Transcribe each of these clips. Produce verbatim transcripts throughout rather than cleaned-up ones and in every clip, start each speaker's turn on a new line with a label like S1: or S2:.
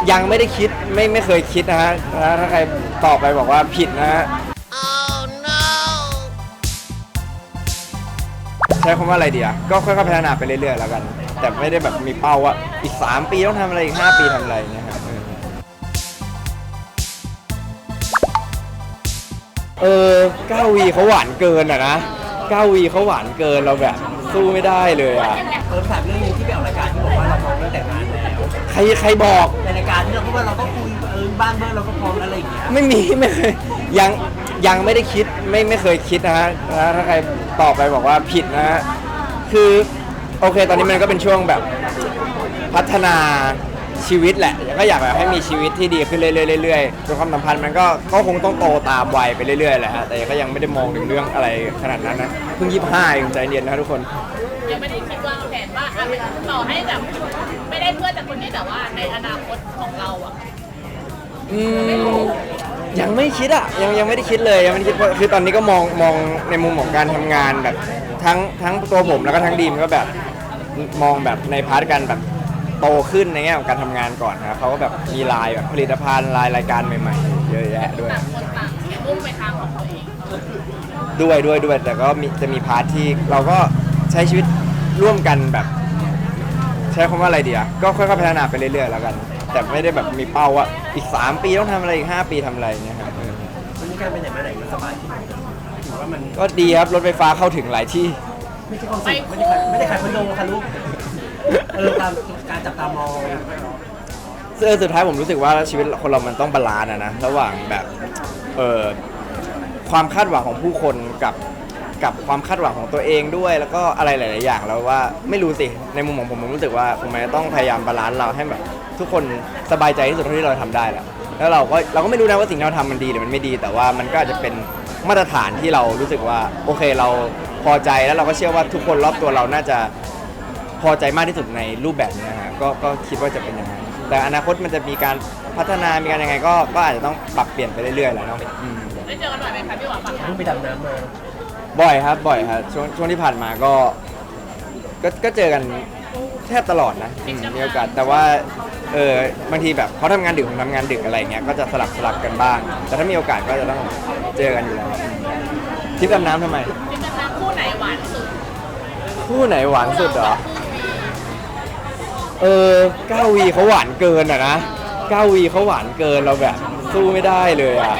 S1: ยังไม่ได้คิดไม่ไม่เคยคิดนะฮะถ้าใครตอบไปบอกว่าผิดนะฮะ oh, no. ใช้คำว่าอะไรดีอ่ะก็ค่อยๆพัฒนาไปเรื่อยๆแล้วกันแต่ไม่ได้แบบมีเป้าว่าอีกสามปีต้องทำอะไรอีกห้าปีทำอะไรเนี่ยครับเออเก้าวีเขาหวานเกินอ่ะนะเก้าวีเขาหวานเกินเราแบบสู้ไม่ได้เลยอ่ะ
S2: เออถามเรื่องนึงที่ไปออกรายการที่บอกว่าเราพร้อมตั้งแต่งานแล้ว
S1: ใครใครบอก
S2: ในรายการที่เราพูดว่าเราก็คุยเออบ้านเมื่อเราก็พร้อมอะไรอย่างเงี้ย
S1: ไม่มีไม่เคยยังยังไม่ได้คิดไม่ไม่เคยคิดนะฮะถ้าใครตอบไปบอกว่าผิดนะฮะคือโอเคตอนนี้มันก็เป็นช่วงแบบพัฒนาชีวิตแหละก็อยากแบบให้มีชีวิตที่ดีขึ้นเรื่อยๆๆจนความสัมพันธ์มันก็ก็คงต้องโตตามวัยไปเรื่อยๆแหละฮะแต่ก็ยังไม่ได้มองถึงเรื่องอะไรขนาดนั้นนะเพิ่งยี่สิบห้าเองใจเย็นนะทุกคน
S3: ยังไม่ได้คิดวางแผนว่าต่อให้แบบไม่ได้เพื่อนจากคนนี้แต่ว่าในอนาคตของเราอ่ะ
S1: อืมยังไม่คิดอ่ะยังยังไม่ได้คิดเลยยังไม่ได้คิดเพราะคือตอนนี้ก็มองมองในมุมของการทำงานแบบทั้งทั้งตัวผมแล้วก็ทั้งดีมก็แบบมองแบบในพาร์ทการแบบโตขึ้นในแง่ของการทำงานก่อนนะครับเขาก็แบบมีลายแบบผลิตภัณฑ์ลายรายการใหม่ๆเยอะแยะด้วย
S3: ต่างคนต่างมุ่งไปทางของตัวเอง
S1: ด้วยด้วยด้วยแต่ก็มีจะมีพาร์ทที่เราก็ใช้ชีวิตร่วมกันแบบใช้คำว่าอะไรดีอ่ะก็ค่อยๆพัฒนาไปเรื่อยๆแล้วกันแต่ไม่ได้แบบมีเป้าว่าอีกสามปีต้องทำอะไรอีกห้าปีทำอะไรเนี่ยครับ
S2: วันนี้การไปไหนมาไหนมันสบายถือว่ามัน
S1: ก็ดีครับรถไฟฟ้าเข้าถึงหลายที่
S2: ไม่ใช่ความสุขไม่ได้ขายไม่ได้ขายคอนโดค่ะลูกเออการการจับตามอง
S1: ซึ่งสุดท้ายผมรู้สึกว่าชีวิตคนเรามันต้องบาลานซ์นะนะระหว่างแบบเออความคาดหวังของผู้คนกับกับความคาดหวังของตัวเองด้วยแล้วก็อะไรหลายๆอย่างแล้วว่าไม่รู้สิในมุมของผมผมรู้สึกว่าผมต้องพยายามบาลานซ์เราให้แบบทุกคนสบายใจที่สุดเท่าที่เราทำได้แหละแล้วเราก็เราก็ไม่รู้นะว่าสิ่งที่เราทำมันดีหรือมันไม่ดีแต่ว่ามันก็อาจจะเป็นมาตรฐานที่เรารู้สึกว่าโอเคเราพอใจแล้วเราก็เชื่อว่าทุกคนรอบตัวเราน่าจะพอใจมากที่สุดในรูปแบบนี้นะฮะก็ก็คิดว่าจะเป็นอย่างนั้นแต่อนาคตมันจะมีการพัฒนามีการยังไงก็ก็อาจจะต้องปรับเปลี่ยนไปเรื่อยๆแหละเนาะ
S3: ได้เจอกันหน่อยไหมคะพี่หวานปะ
S2: เพิ่งไปดำน้ำมา
S1: บ่อยครับบ่อยครับช่วงช่วงที่ผ่านมาก็ก็ก็เจอกันแทบตลอดนะมีโอกาสแต่ว่าเออบางทีแบบเขาทำงานดึกผมทำงานดึกอะไรเงี้ยก็จะสลับสลับกันบ้างแต่ถ้ามีโอกาสก็จะต้องเจอกันอยู่แล้วทริปดำน้ำทำไม
S3: ทริปดำน้ำคู่ไหนหวานสุด
S1: คู่ไหนหวานสุดเหรอเออเก้าวีเขาหวานเกินอ่ะนะเก้าวีเขาหวานเกินเราแบบสู้ไม่ได้เลยอ่ะ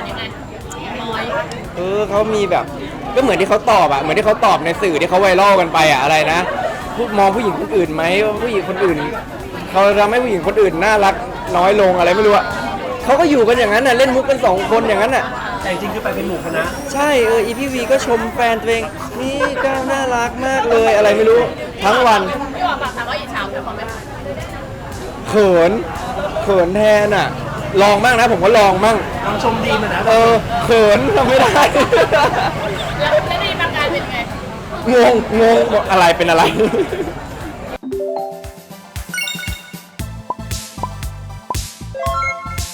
S1: เออเขามีแบบก็เหมือนที่เขาตอบอะเหมือนที่เขาตอบในสื่อที่เขาไวรัลกันไปอะอะไรนะพูดมองผู้หญิงคนอื่นไหมว่าผู้หญิงคนอื่นเขาทำให้ผู้หญิงคนอื่นน่ารักน้อยลงอะไรไม่รู้อะเขาก็อยู่กันอย่างนั้นน่ะเล่นมุกกันสองคนอย่างนั้นน่ะ
S2: แต่จริงคือไปเป็นหมู่คณะ
S1: ใช่เอออีพีวีก็ชมแฟนตัวเองนี่ก้าวน่ารักมากเลยอะไรไม่รู้ทั้งวัน
S3: พี่ว่าปากถามว่าอิจฉาเป็นความไหม
S1: เขินเขินแทนอะลองบ้างนะผมก็ลองบ้าง
S2: ลองชมดีมันนะ
S1: เออเขินทำไม่ได้
S3: แล้วแล้วดีประการเป็นไง
S1: งงงงอะไรเป็นอะไร